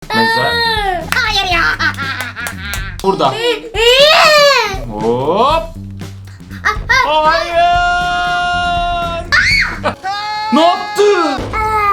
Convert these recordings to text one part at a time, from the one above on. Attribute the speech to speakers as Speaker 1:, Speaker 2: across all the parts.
Speaker 1: gitmezler.
Speaker 2: Hayır ya.
Speaker 1: Burada. Hop. Hayır. Ne yaptın?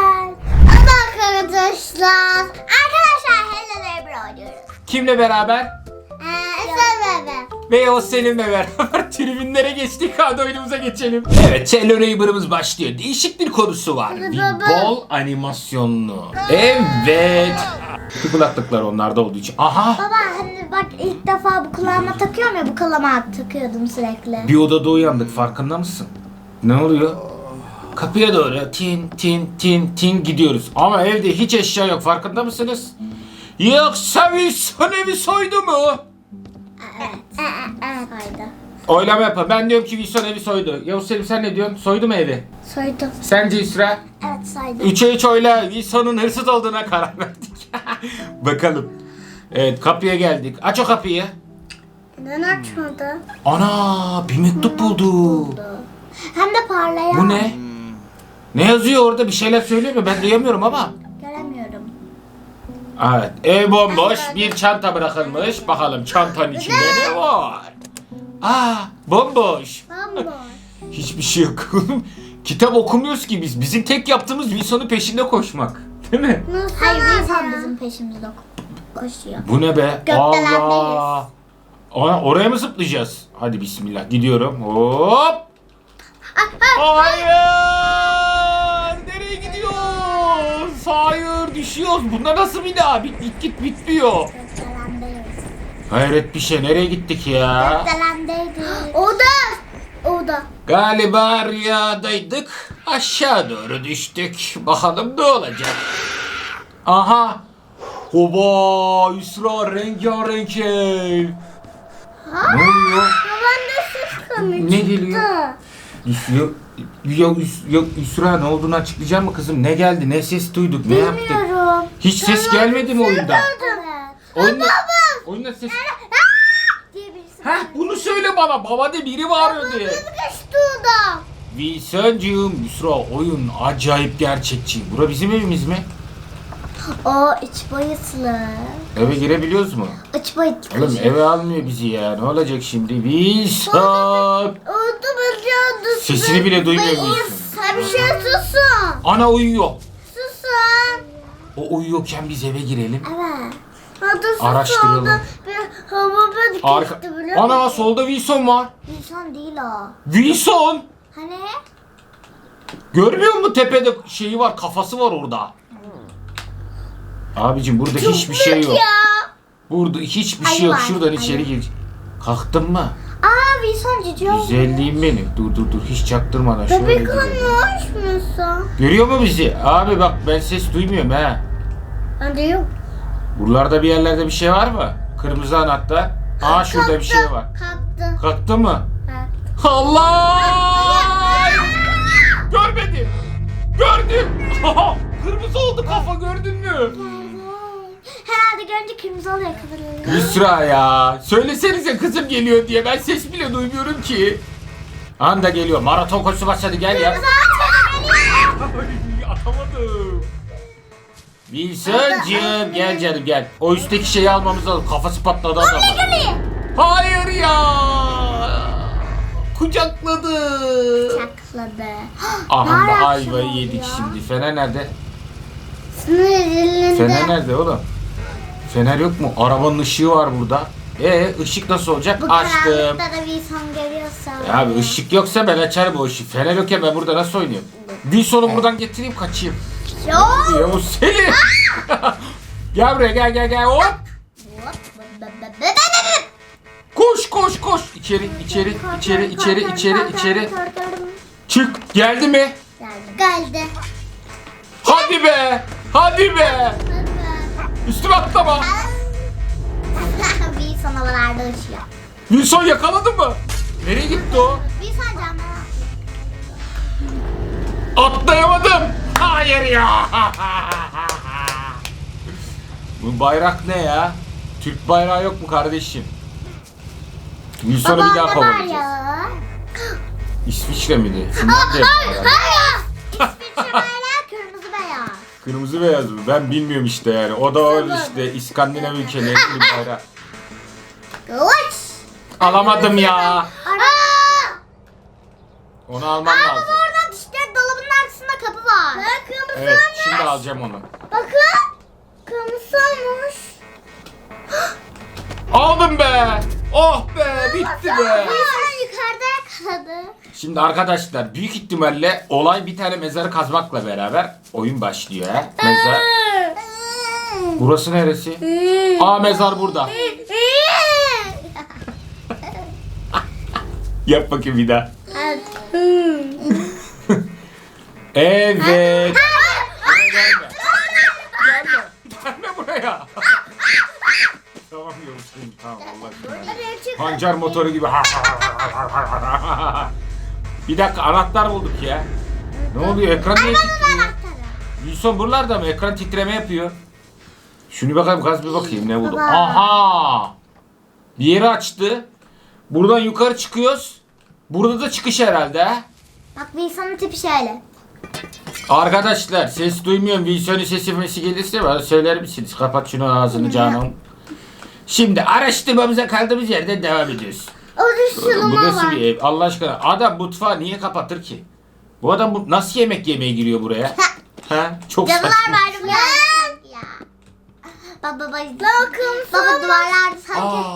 Speaker 2: Arkadaşlar. Arkadaşlar Hello Neighbor oynuyoruz.
Speaker 1: Kimle beraber?
Speaker 2: Sen bebe.
Speaker 1: Ve o Selim'le beraber tribünlere geçtik. Hadi oyunumuza geçelim. Evet, Hello Neighbor'ımız başlıyor. Değişik bir konusu var. Bir bol animasyonlu. Evet. Şu kulaklıklar onlarda olduğu için. Aha.
Speaker 2: Baba hani bak ilk defa bu kulağıma takıyorum ya, bu kulağıma takıyordum sürekli.
Speaker 1: Bir odada uyandık, farkında mısın? Ne oluyor? Kapıya doğru tin tin tin tin gidiyoruz. Ama evde hiç eşya yok, farkında mısınız? Yoksa Wilson evi soydu mu?
Speaker 2: Evet. Soydu.
Speaker 1: Oylama yapalım. Ben diyorum ki Wilson evi soydu. Yavuz Selim, sen ne diyorsun? Soydu mu evi?
Speaker 2: Soydu.
Speaker 1: Sence İsra?
Speaker 2: Evet soydu.
Speaker 1: 3'e 3 oyla Wilson'un hırsız olduğuna karar verdik. Bakalım. Evet, kapıya geldik. Aç o kapıyı.
Speaker 2: Neden açmadı?
Speaker 1: Ana, bir mektup buldu.
Speaker 2: Hem de parlayan.
Speaker 1: Bu ne? Ne yazıyor orada? Bir şeyler söylüyor mu? Ben duyamıyorum ama.
Speaker 2: Göremiyorum.
Speaker 1: Evet, ev bomboş. Bir çanta bırakılmış. Bakalım çantanın içinde ne var? Aa, bomboş.
Speaker 2: Bomboş.
Speaker 1: Hiçbir şey yok. Kitap okumuyoruz ki biz. Bizim tek yaptığımız Wilson'un peşinde koşmak. Değil mi?
Speaker 2: Hayır, insan bizim peşimizde koşuyor.
Speaker 1: Bu ne be?
Speaker 2: Gökdelendeyiz.
Speaker 1: Allah. Oraya mı zıplayacağız? Hadi bismillah. Gidiyorum. Hop. Hayır. Nereye gidiyoruz? Hayır, düşüyoruz. Bunda nasıl bir daha? Git bitmiyor.
Speaker 2: Gökdelendeyiz.
Speaker 1: Hayret bir şey. Nereye gittik ya?
Speaker 2: Gökdelendeydik. Oda.
Speaker 1: Galiba rüyadaydık. Aşağı doğru düştük. Bakalım ne olacak? Aha. Hoba, İsra, rengarenk ev. Ne oluyor?
Speaker 2: Baban da ses komik.
Speaker 1: Ne geliyor? Yok İsra, ne olduğunu açıklayacak mı kızım? Ne geldi? Ne ses duyduk? Ne yaptık?
Speaker 2: Bilmiyorum.
Speaker 1: Hiç ses gelmedi mi oyunda?
Speaker 2: Evet.
Speaker 1: Oyunda ses...
Speaker 2: Diye birisi.
Speaker 1: Heh, bunu söyle bana. Baba de biri bağırıyor diye.
Speaker 2: Geçti oda.
Speaker 1: Wilson'cığım, İsra, oyun acayip gerçekçi. Bura bizim evimiz mi?
Speaker 2: O iç boyutlu.
Speaker 1: Eve girebiliyoruz mu?
Speaker 2: İç boyutlu.
Speaker 1: Oğlum eve almıyor bizi ya. Ne olacak şimdi? Wilson!
Speaker 2: Oldu biliyordu.
Speaker 1: Sesini bile duymuyor Wilson.
Speaker 2: Sen bir şey susun.
Speaker 1: Ana uyuyor.
Speaker 2: Susun.
Speaker 1: O uyuyorken biz eve girelim.
Speaker 2: Evet. Hadi sus.
Speaker 1: Araştıralım.
Speaker 2: Orada bir hava
Speaker 1: Arka...
Speaker 2: geçti biliyor musun?
Speaker 1: Ana, solda Wilson var.
Speaker 2: İnsan değil o.
Speaker 1: Wilson!
Speaker 2: Hani?
Speaker 1: Görmüyor musun, tepede şeyi var, kafası var orada. Abicim burada hiçbir şey yok.
Speaker 2: Ya.
Speaker 1: Burada hiçbir
Speaker 2: Ayı
Speaker 1: şey yok.
Speaker 2: var,
Speaker 1: Şuradan
Speaker 2: ayı.
Speaker 1: içeri gir. Kalktın mı?
Speaker 2: Aa Wilson cici oldu.
Speaker 1: Güzelliğim benim. Dur hiç çaktırmadan şöyle
Speaker 2: Bebek
Speaker 1: girelim.
Speaker 2: olmuş musun?
Speaker 1: Görüyor mu bizi? Abi bak, ben ses duymuyorum ha.
Speaker 2: Hadi yok.
Speaker 1: Buralarda bir yerlerde bir şey var mı? Kırmızı anahtar. Aa, şurada bir şey var.
Speaker 2: Kalktı.
Speaker 1: Kalktı mı?
Speaker 2: Evet.
Speaker 1: Allah! Görmedim. Gördüm. Kırmızı oldu kafa, gördün mü?
Speaker 2: Herhalde görünce kırmızı oluyor kadın.
Speaker 1: Yusra ya. Söylesenize kızım geliyor diye. Ben ses bile duymuyorum ki. Anda geliyor. Maraton koşusu başladı, gel ya. Ay, atamadım. Wilson'cığım gel canım gel. O üstteki şeyi almamız lazım. Kafası patladı adamın. Hayır ya. Kucakladı.
Speaker 2: Çakladı.
Speaker 1: Aha da ayvayı yedik şimdi. Fener nerede?
Speaker 2: Sınır elinde.
Speaker 1: Fener nerede oğlum? Fener yok mu? Arabanın ışığı var burada. Işık nasıl olacak?
Speaker 2: Bu
Speaker 1: Açtım.
Speaker 2: karanlıkta da Wilson görüyorsa.
Speaker 1: Ya abi ışık yoksa ben açarım o ışığı. Fener yokken ben burada nasıl oynayayım? Wilson'u buradan getireyim, kaçayım.
Speaker 2: Yok.
Speaker 1: Ya o Selim. Gel buraya, gel hop. Koş. İçeri. Çık. Geldi mi?
Speaker 2: Geldi.
Speaker 1: Hadi be. Üstüme atlama.
Speaker 2: Wilson havalarda uçuyor.
Speaker 1: Wilson yakaladı mı? Nereye gitti o?
Speaker 2: Wilson camlara
Speaker 1: Atlayamadım. Hayır ya. Bu bayrak ne ya? Türk bayrağı yok mu kardeşim? Wilson'u bir daha kovalayacağız.
Speaker 2: ya.
Speaker 1: İsviçre miydi? Finlandiya.
Speaker 2: Hayır. İsviçre bayrağı kırmızı beyaz.
Speaker 1: Kırmızı beyaz mı? Ben bilmiyorum işte yani. O da öyle işte İskandinav ülkeleri bir bayrağı.
Speaker 2: Kılıç.
Speaker 1: Alamadım ya.
Speaker 2: Aa!
Speaker 1: Onu almam
Speaker 2: Aa,
Speaker 1: lazım.
Speaker 2: orada işte dolabın arkasında kapı var. Kırmızı
Speaker 1: Evet şimdi alacağım onu.
Speaker 2: Bakın. Kırmızı olmuş.
Speaker 1: Aldım be. Oh be bitti be.
Speaker 2: Sen yukarıda yakaladı.
Speaker 1: Şimdi arkadaşlar büyük ihtimalle olay bir tane mezarı kazmakla beraber oyun başlıyor. Mezar. Burası neresi? Aa mezar burada. Yap bakayım bir daha. Evet. Gelme. Gelme buraya. Tamam Yavuz'um tamam Allah aşkına. Pancar motoru gibi. Bir dakika anahtar bulduk ya. Ne oluyor ekran niye titriyor? Wilson buralarda mı? Ekran titreme yapıyor. Şunu bakalım gaz bir bakayım ne buldum.
Speaker 2: Baba.
Speaker 1: Aha! Bir yeri açtı. Buradan yukarı çıkıyoruz. Burada da çıkış herhalde. Ha?
Speaker 2: Bak bir insanın tipi şöyle.
Speaker 1: Arkadaşlar ses duymuyorum. Wilson'un sesi gelirse bana söyler misiniz? Kapat şunu ağzını Canan. Şimdi araştırmamıza kaldığımız yerden devam ediyoruz.
Speaker 2: Orada
Speaker 1: Bu
Speaker 2: sulama
Speaker 1: nasıl
Speaker 2: var.
Speaker 1: bir ev? Allah aşkına adam mutfağı niye kapatır ki? Bu adam nasıl yemek yemeye giriyor buraya? Ha? Çok
Speaker 2: Cadılar
Speaker 1: saçma.
Speaker 2: bayramı geldi ya. Baba baba duvarlar sanki.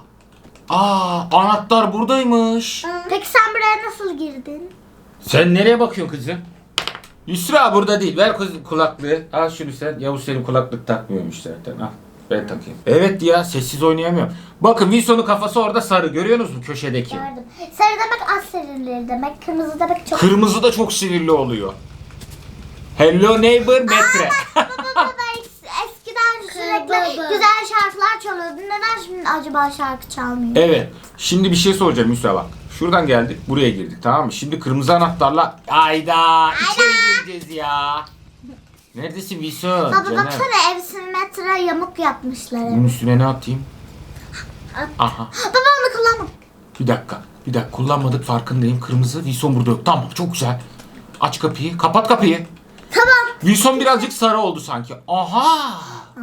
Speaker 1: Anahtar buradaymış.
Speaker 2: Peki sen buraya nasıl girdin?
Speaker 1: Sen nereye bakıyorsun kızım? Yusra burada değil. Ver kulaklığı. Al şunu sen. Yavuz senin kulaklık takmıyormuş zaten. Al. Ben takayım. Evet ya sessiz oynayamıyorum. Bakın Wilson'un kafası orada sarı. Görüyorsunuz mu köşedeki?
Speaker 2: Gördüm. Sarı demek az sinirli demek. Kırmızı demek çok.
Speaker 1: Kırmızı da çok sinirli oluyor. Hello neighbor metre.
Speaker 2: Baba eskiden sürekli güzel şarkılar çalıyordu. Neden şimdi acaba şarkı çalmıyor?
Speaker 1: Evet. Şimdi bir şey soracağım Yusra bak. Şuradan geldik buraya girdik tamam mı? Şimdi kırmızı anahtarla ayda içeri gireceğiz ya. Neredesin Wilson?
Speaker 2: Baba
Speaker 1: Canım.
Speaker 2: baksana ev simetre yamuk yapmışlar.
Speaker 1: Bunun üstüne ne atayım? Aha.
Speaker 2: Baba onu kullanma.
Speaker 1: Bir dakika. Kullanmadık farkındayım. Kırmızı. Wilson burada yok. Tamam çok güzel. Aç kapıyı. Kapat kapıyı.
Speaker 2: Tamam.
Speaker 1: Wilson birazcık sarı oldu sanki. Aha.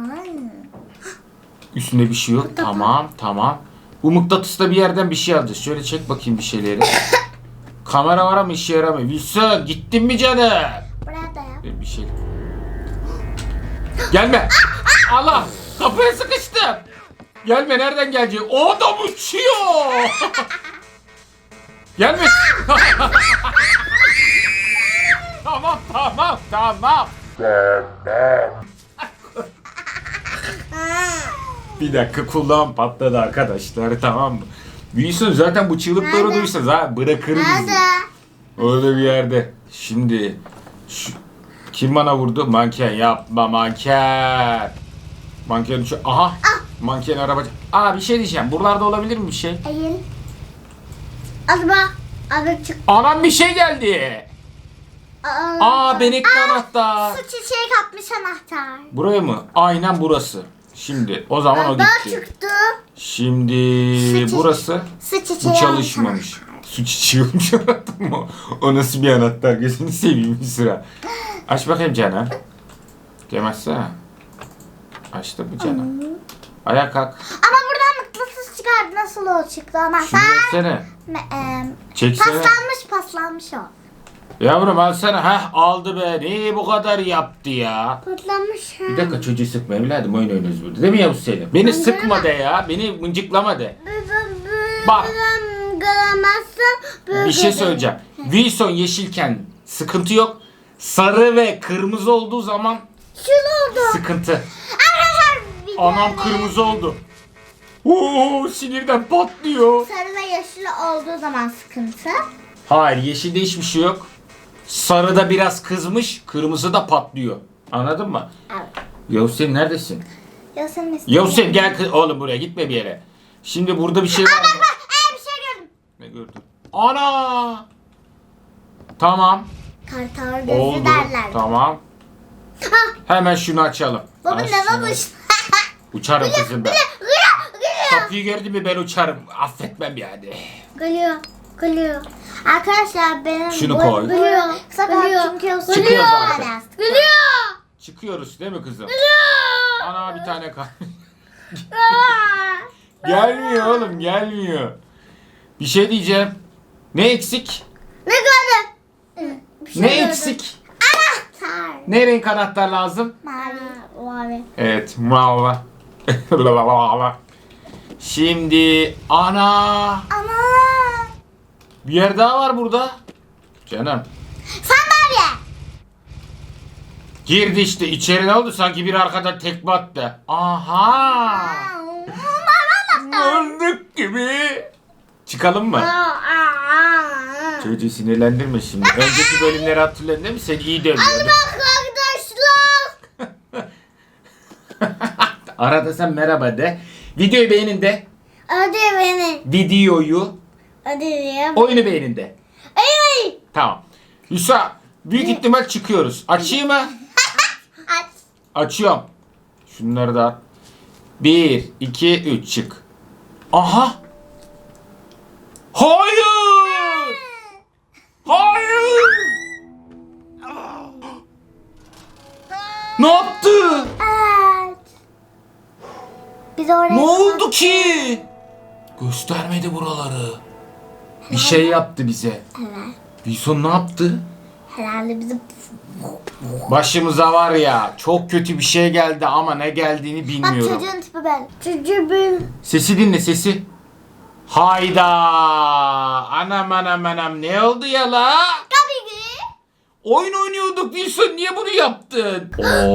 Speaker 1: Üstünde bir şey yok. Tamam. Bu mıknatısla bir yerden bir şey alacağız. Şöyle çek bakayım bir şeyleri. Kamera var ama işe yaramıyor. Wilson gittin mi canım?
Speaker 2: Buraya da yap.
Speaker 1: Bir şey. Gelme. Allah. Kapıya sıkıştım. Gelme nereden gelecek? O adam uçuyor. Gelme. Tamam. Bir dakika kulağım patladı arkadaşlar tamam mı? Wilson zaten bu çığlıkları
Speaker 2: Nerede?
Speaker 1: duysanız ha bırakır bizi.
Speaker 2: Nerede?
Speaker 1: Öyle bir yerde. Şimdi kim bana vurdu? Manken yapma manken. Manken uçuyor. Aha. Manken arabacı. Bir şey diyeceğim. Buralarda olabilir mi bir şey?
Speaker 2: Eğil. Acaba abi çık.
Speaker 1: Anam bir şey geldi. Benekli anahtar.
Speaker 2: Su çiçeği kapmış anahtar.
Speaker 1: Buraya mı? Aynen burası. Şimdi o zaman o
Speaker 2: Daha
Speaker 1: gitti.
Speaker 2: çıktı.
Speaker 1: Şimdi
Speaker 2: Su
Speaker 1: burası.
Speaker 2: Su çiçeği
Speaker 1: Bu çalışmamış.
Speaker 2: almış anahtar.
Speaker 1: Su çiçeği olmuş anahtar mı? O nasıl bir anahtar? Gözünü seveyim bir sıra. Aç bakayım canım. Gemezsene. Açtı mı canım? Ayağa kalk.
Speaker 2: Ama buradan mıknatıs çıkardı. Nasıl o çıktı
Speaker 1: Şunu
Speaker 2: anahtar?
Speaker 1: versene. Çeksene.
Speaker 2: Paslanmış o.
Speaker 1: Yavrum alsana. Aldı be. Niye bu kadar yaptı ya?
Speaker 2: Patlamış ha.
Speaker 1: Bir dakika çocuğu sıkma evladım oyun oynuyoruz burada. Değil mi Yavuz Selim? Beni sıkma de ya. Beni mıncıklama de. Bak.
Speaker 2: Göremezsin.
Speaker 1: Bir şey söyleyeceğim. Wilson yeşilken sıkıntı yok. Sarı ve kırmızı olduğu zaman
Speaker 2: Şunu oldu.
Speaker 1: sıkıntı.
Speaker 2: Arkadaşlar bir
Speaker 1: Anam
Speaker 2: tane
Speaker 1: kırmızı oldu. Oo sinirden patlıyor.
Speaker 2: sarı ve yeşil olduğu zaman sıkıntı.
Speaker 1: Hayır yeşilde hiçbir şey yok. Sarıda biraz kızmış, kırmızı da patlıyor. Anladın mı?
Speaker 2: Evet.
Speaker 1: Yavuz Selim neredesin?
Speaker 2: Yasemin
Speaker 1: Yavuz Selim gel oğlum buraya gitme bir yere. Şimdi burada bir şey var mı?
Speaker 2: bir şey gördüm.
Speaker 1: Ne gördün? Ana! Tamam.
Speaker 2: Kartal gözü
Speaker 1: Oldu.
Speaker 2: derler.
Speaker 1: Tamam. Hemen şunu açalım.
Speaker 2: Baba
Speaker 1: Aç
Speaker 2: ne
Speaker 1: şunu.
Speaker 2: babuş?
Speaker 1: Uçarım kızım ben.
Speaker 2: Gülüyor.
Speaker 1: Kapıyı gördün mü ben uçarım. Affetmem yani.
Speaker 2: Gülüyor. Arkadaşlar benim
Speaker 1: Şunu koy.
Speaker 2: Gülüyor. Sakın çünkü o
Speaker 1: Çıkıyoruz artık.
Speaker 2: Gülüyor.
Speaker 1: Çıkıyoruz değil mi kızım? Ana bir tane kal. Gelmiyor oğlum, gelmiyor. Bir şey diyeceğim. Ne eksik?
Speaker 2: Ne gördün?
Speaker 1: Ne eksik?
Speaker 2: Anahtar.
Speaker 1: Ne renk anahtar lazım?
Speaker 2: Mavi.
Speaker 1: Evet, mavi. Şimdi ana.
Speaker 2: Ama.
Speaker 1: Bir yer daha var burada. Canım.
Speaker 2: Sandalye.
Speaker 1: Girdi işte, içeri ne oldu? Sanki bir arkadan tekme attı. Aha. Öldük gibi. Çıkalım mı? Çocuğu sinirlendirme şimdi. Önceki bölümleri hatırladın değil mi? Sen iyi dövüyordun.
Speaker 2: Bak arkadaşlar.
Speaker 1: Arada sen merhaba de. Videoyu beğenin de.
Speaker 2: Hadi beni.
Speaker 1: Videoyu.
Speaker 2: Hadi ya.
Speaker 1: Oyunu beğenin de.
Speaker 2: Ay.
Speaker 1: Tamam. Yusra, büyük ihtimal çıkıyoruz. Açayım mı?
Speaker 2: Aç.
Speaker 1: Açıyorum. Şunları da at. 1, 2, 3 çık. Aha. Hayır. Hayır. Ne yaptı?
Speaker 2: Evet. Biz oraya.
Speaker 1: Ne oldu ki? Göstermedi buraları. Bir şey yaptı bize.
Speaker 2: Evet.
Speaker 1: Wilson ne yaptı?
Speaker 2: Herhalde bizim.
Speaker 1: Başımıza var ya, çok kötü bir şey geldi ama ne geldiğini
Speaker 2: Bak
Speaker 1: bilmiyorum.
Speaker 2: çocuğun tipi ben. Çocuğu ben.
Speaker 1: Sesi dinle, sesi. Hayda! Anam anam anam, ne oldu ya la?
Speaker 2: Tabii ki.
Speaker 1: Oyun oynuyorduk Wilson, niye bunu yaptın?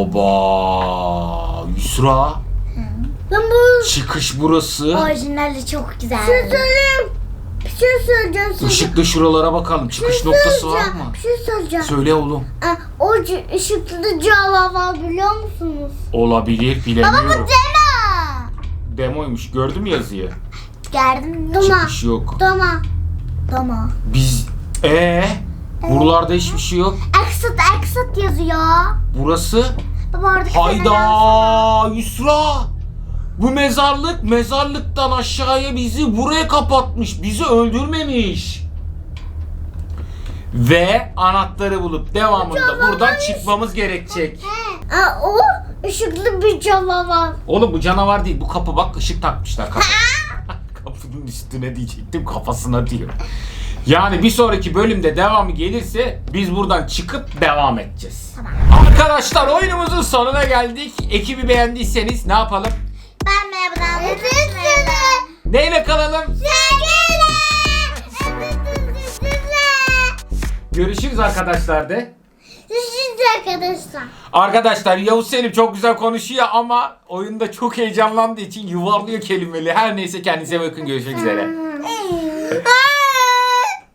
Speaker 1: Oba! Yusra,
Speaker 2: Ben bu.
Speaker 1: çıkış burası.
Speaker 2: Orijinali çok güzel. Bir şey söyleyeyim. Bir şey söyleyeceğim size.
Speaker 1: Işıklı şuralara bakalım, çıkış noktası var mı?
Speaker 2: Bir şey söyleyeceğim.
Speaker 1: Söyle oğlum.
Speaker 2: O ışıklı canavar biliyor musunuz?
Speaker 1: Olabilir,
Speaker 2: Baba bu
Speaker 1: bilemiyorum.
Speaker 2: demo.
Speaker 1: Demoymuş, gördün mü yazıyı?
Speaker 2: Geldim. Doma.
Speaker 1: Çıkış yok.
Speaker 2: Doma. Doma.
Speaker 1: Biz... Buralarda hiçbir şey yok.
Speaker 2: Exit yazıyor.
Speaker 1: Burası...
Speaker 2: Baba oradaki
Speaker 1: Hayda Yusra. Bu mezarlıktan aşağıya bizi buraya kapatmış. Bizi öldürmemiş. Ve anahtarı bulup devamında buradan çıkmamız gerekecek.
Speaker 2: O ışıklı bir canavar.
Speaker 1: Oğlum bu canavar değil. Bu kapı bak, ışık takmışlar kapı. Kapının üstüne diyecektim, kafasına diyor. Yani bir sonraki bölümde devamı gelirse biz buradan çıkıp devam edeceğiz.
Speaker 2: Tamam.
Speaker 1: Arkadaşlar oyunumuzun sonuna geldik. Ekibi beğendiyseniz ne yapalım?
Speaker 2: Ben merhabadan.
Speaker 1: Neyle kalalım? Görüşürüz arkadaşlar de.
Speaker 2: Görüşürüz arkadaşlar.
Speaker 1: Arkadaşlar Yavuz Selim çok güzel konuşuyor ama oyunda çok heyecanlandığı için yuvarlıyor kelimeleri. Her neyse, kendinize bakın, görüşmek üzere.